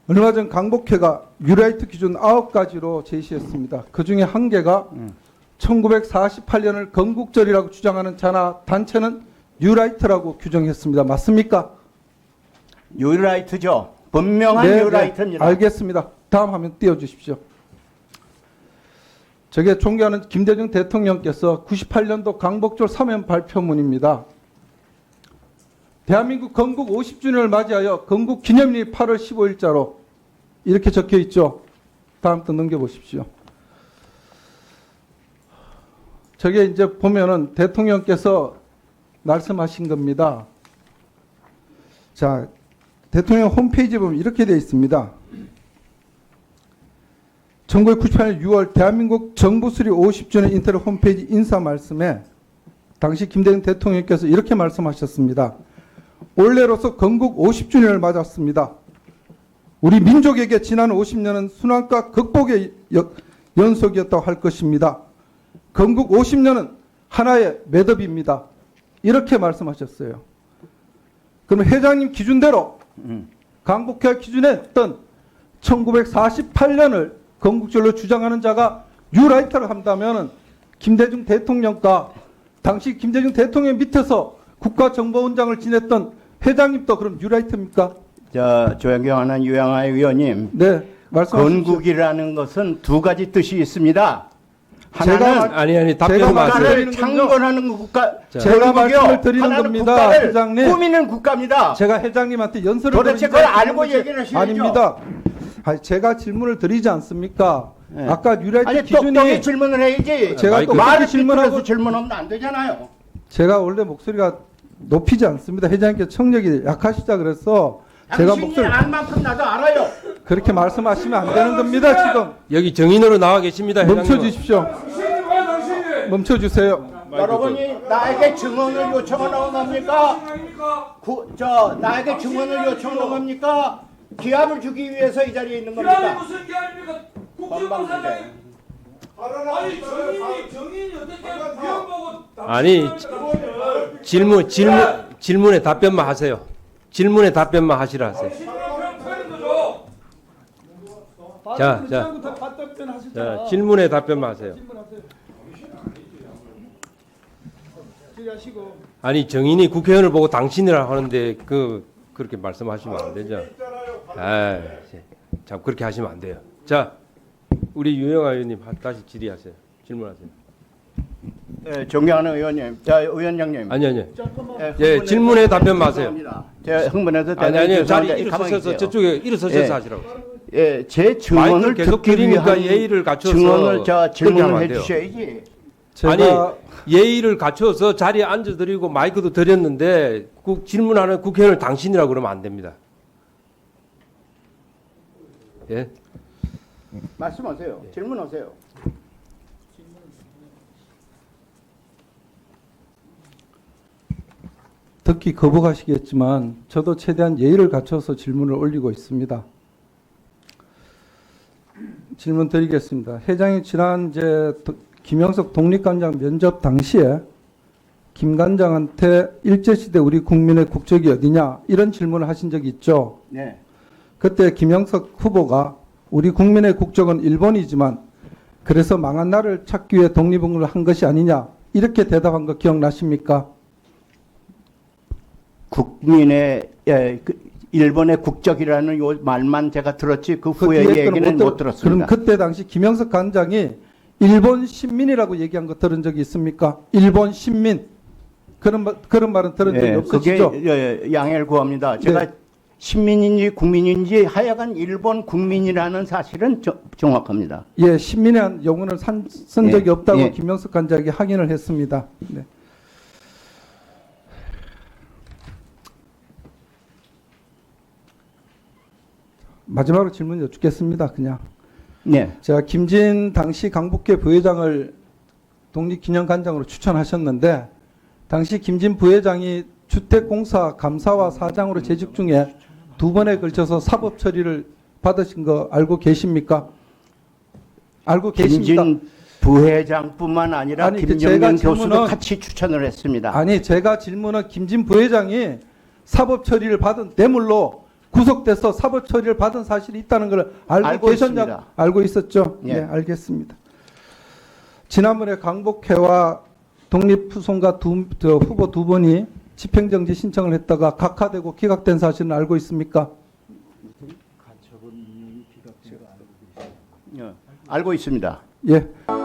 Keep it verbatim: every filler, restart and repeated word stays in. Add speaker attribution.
Speaker 1: 얼마 전 강복회가 뉴라이트 기준 아홉 가지로 제시했습니다. 그중에 한 개가
Speaker 2: 음.
Speaker 1: 천구백사십팔 년을 건국절이라고 주장하는 자나 단체는 뉴라이트라고 규정했습니다. 맞습니까?
Speaker 2: 뉴라이트죠. 분명한
Speaker 1: 네,
Speaker 2: 뉴라이트입니다.
Speaker 1: 네, 알겠습니다. 다음 화면 띄워주십시오. 저게 존경하는 김대중 대통령께서 구십팔 년도 강복절 사면 발표문입니다. 대한민국 건국 오십 주년을 맞이하여 건국 기념일 팔월 십오일자로 이렇게 적혀 있죠. 다음 또 넘겨보십시오. 저게 이제 보면은 대통령께서 말씀하신 겁니다. 자, 대통령 홈페이지에 보면 이렇게 되어 있습니다. 천구백구십팔 년 유월 대한민국 정부 수립 오십 주년 인터넷 홈페이지 인사 말씀에 당시 김대중 대통령께서 이렇게 말씀하셨습니다. 올해로서 건국 오십 주년을 맞았습니다. 우리 민족에게 지난 오십 년은 순환과 극복의 연속이었다고 할 것입니다. 건국 오십 년은 하나의 매듭입니다. 이렇게 말씀하셨어요. 그럼 회장님 기준대로
Speaker 2: 음.
Speaker 1: 강복회 기준했던 천구백사십팔 년을 건국절로 주장하는 자가 뉴라이터를 한다면 김대중 대통령과 당시 김대중 대통령 밑에서 국가정보원장을 지냈던 회장님도 그럼 뉴라이터입니까?
Speaker 2: 저 존경하는 유영아 의원님,
Speaker 1: 네, 말씀하십시오.
Speaker 2: 건국이라는 것은 두 가지 뜻이 있습니다.
Speaker 1: 제가
Speaker 2: 하나는
Speaker 3: 아니 아니
Speaker 1: 제가
Speaker 3: 답변 마세요.
Speaker 2: 국가를 창건하는 국가,
Speaker 1: 제가
Speaker 2: 건국이요.
Speaker 1: 말씀을 드리는
Speaker 2: 하나는
Speaker 1: 겁니다,
Speaker 2: 국가를
Speaker 1: 회장님.
Speaker 2: 꾸미는 국가입니다.
Speaker 1: 제가 회장님한테 연설을
Speaker 2: 도대체
Speaker 1: 드리지
Speaker 2: 그걸
Speaker 1: 않는
Speaker 2: 알고
Speaker 1: 것이
Speaker 2: 얘기를 하셔야죠.
Speaker 1: 아닙니다. 아니, 제가 질문을 드리지 않습니까?
Speaker 2: 네.
Speaker 1: 아까 뉴라이트
Speaker 2: 아니
Speaker 1: 기준이
Speaker 2: 똑똑히 질문을 해야지.
Speaker 1: 제가
Speaker 3: 마이크.
Speaker 1: 또
Speaker 2: 말을
Speaker 1: 그렇게 질문하고
Speaker 2: 질문하고 질문하면 안 되잖아요.
Speaker 1: 제가 원래 목소리가 높이지 않습니다. 회장님께 청력이 약하시다 그래서 제가
Speaker 2: 당신이
Speaker 1: 목소리
Speaker 2: 알 만큼 나도 알아요.
Speaker 1: 그렇게 말씀하시면 안 되는 겁니다. 지금
Speaker 3: 여기 정인으로 나와 계십니다. 회장님.
Speaker 1: 멈춰 주십시오. 멈춰 주세요.
Speaker 2: 여러분이 나에게 증언을 요청하는 겁니까? 구, 저 나에게 증언을 요청하는 겁니까? 기합을 주기 위해서 이 자리에 있는
Speaker 4: 기합이
Speaker 2: 겁니까?
Speaker 4: 무슨 기합입니까?
Speaker 2: 건방지게.
Speaker 4: 국정감사장이 아니 정인이 정인이 어떻게 위원 보고
Speaker 3: 아니 질문 질문 질문에 답변만 하세요. 질문에 답변만 하시라 하세요. 자, 자, 자 질문에 답변만 하세요. 아니 정인이 국회의원을 보고 당신이라 하는데 그 그렇게 말씀하시면 안 되죠. 아, 참 그렇게 하시면 안 돼요. 자, 우리 유영아 의원님 다시 질의하세요. 질문하세요.
Speaker 2: 예, 존경하는 의원님, 자 의원장님.
Speaker 3: 아니 아니.
Speaker 2: 예,
Speaker 3: 예,
Speaker 2: 흥분해서
Speaker 3: 질문에 답변 마세요.
Speaker 2: 죄송합니다. 제가 흥분해서
Speaker 3: 아니 아니 자리
Speaker 2: 죄송한데 가만히
Speaker 3: 일어서셔서
Speaker 2: 계세요.
Speaker 3: 저쪽에 일어서셔서
Speaker 2: 예.
Speaker 3: 하시라고.
Speaker 2: 예, 제
Speaker 3: 마이크를
Speaker 2: 증언을
Speaker 3: 계속
Speaker 2: 듣기
Speaker 3: 드리니까
Speaker 2: 위한
Speaker 3: 예의를 갖춰서
Speaker 2: 증언을 저
Speaker 3: 그렇게 하면
Speaker 2: 질문을
Speaker 3: 안
Speaker 2: 해
Speaker 3: 돼요.
Speaker 2: 주셔야지.
Speaker 1: 제가
Speaker 3: 아니 예의를 갖춰서 자리에 앉아드리고 마이크도 드렸는데 국, 질문하는 국회의원을 당신이라고 그러면 안 됩니다. 예?
Speaker 2: 말씀하세요. 질문하세요.
Speaker 1: 듣기 거부하시겠지만 저도 최대한 예의를 갖춰서 질문을 올리고 있습니다. 질문 드리겠습니다. 회장이 지난 이제 도- 김영석 독립관장 면접 당시에 김 관장한테 일제시대 우리 국민의 국적이 어디냐 이런 질문을 하신 적이 있죠.
Speaker 2: 네.
Speaker 1: 그때 김영석 후보가 우리 국민의 국적은 일본이지만 그래서 망한 나라를 찾기 위해 독립운동을 한 것이 아니냐 이렇게 대답한 거 기억나십니까?
Speaker 2: 국민의 예, 그 일본의 국적이라는 요 말만 제가 들었지 그
Speaker 1: 그
Speaker 2: 후에
Speaker 1: 뒤에 거는
Speaker 2: 얘기는
Speaker 1: 못
Speaker 2: 못
Speaker 1: 들었-
Speaker 2: 들었습니다.
Speaker 1: 그럼 그때 당시 김영석 관장이 일본 신민이라고 얘기한 거 들은 적이 있습니까? 일본 신민 그런 말, 그런 말은 들은 적이
Speaker 2: 예,
Speaker 1: 없으시죠?
Speaker 2: 그게 예, 양해를 구합니다. 제가
Speaker 1: 네.
Speaker 2: 신민인지 국민인지 하여간 일본 국민이라는 사실은 저- 정확합니다.
Speaker 1: 예, 신민이라는 용어를 산, 쓴
Speaker 2: 예,
Speaker 1: 적이 없다고
Speaker 2: 예.
Speaker 1: 김영석 관장이 확인을 했습니다. 네. 마지막으로 질문 여쭙겠습니다. 그냥
Speaker 2: 네.
Speaker 1: 제가 김진 당시 강북회 부회장을 독립기념관장으로 추천하셨는데 당시 김진 부회장이 주택공사 감사와 사장으로 재직 중에 두 번에 걸쳐서 사법 처리를 받으신 거 알고 계십니까? 알고 계십니까?
Speaker 2: 김진 부회장뿐만 아니라
Speaker 1: 아니, 그
Speaker 2: 김정년
Speaker 1: 제가
Speaker 2: 교수도
Speaker 1: 질문은-
Speaker 2: 같이 추천을 했습니다.
Speaker 1: 아니 제가 질문은 김진 부회장이 사법 처리를 받은 뇌물로 구속돼서 사법 처리를 받은 사실이 있다는 걸 알고,
Speaker 2: 알고
Speaker 1: 계셨냐?
Speaker 2: 있습니다.
Speaker 1: 알고 있었죠?
Speaker 2: 예.
Speaker 1: 네, 알겠습니다. 지난번에 강복회와 독립후손과 두, 저 후보 두 분이 집행정지 신청을 했다가 각하되고 기각된 사실은 알고 있습니까?
Speaker 2: 예, 알고 있습니다.
Speaker 1: 예.